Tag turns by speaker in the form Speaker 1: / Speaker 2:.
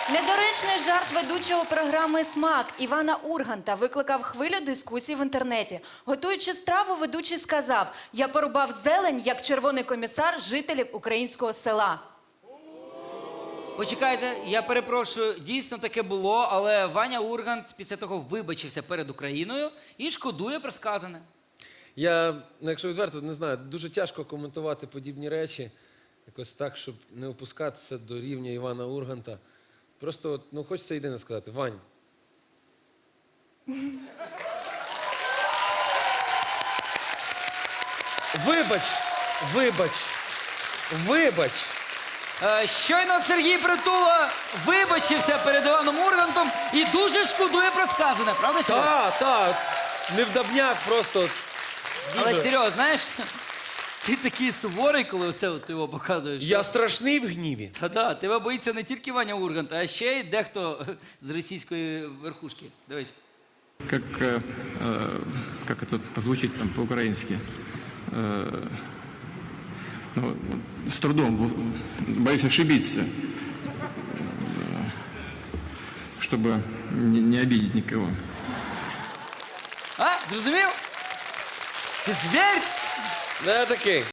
Speaker 1: Недоречний жарт ведучого програми «Смак» Івана Урганта викликав хвилю дискусій в інтернеті. Готуючи страву, ведучий сказав: «Я порубав зелень, як червоний комісар жителів українського села».
Speaker 2: Почекайте, я перепрошую, дійсно таке було, але Ваня Ургант після того вибачився перед Україною і шкодує про сказане.
Speaker 3: Я, якщо відверто, не знаю, дуже тяжко коментувати подібні речі, якось так, щоб не опускатися до рівня Івана Урганта. Просто, от, ну, хочеться єдине сказати: Вань. Вибач, вибач, вибач.
Speaker 2: Щойно Сергій Притула вибачився перед Іваном Ургантом і дуже шкодує про сказане, правда, Серьо?
Speaker 3: Так, невдобняк просто.
Speaker 2: Але,
Speaker 3: Дуже.
Speaker 2: Серьо, знаєш, ти такий суворий, коли оце от ти його показуєш.
Speaker 3: Я страшний в гніві.
Speaker 2: Та-да, тебе боїться не тільки Ваня Ургант, а ще й дехто з російської верхушки. Дивись.
Speaker 4: Как это позвучит там по-украински. Ну, с трудом, боюсь ошибиться, чтобы не обидеть никого.
Speaker 2: А, зрозумів? Ти звір?
Speaker 3: Не такий.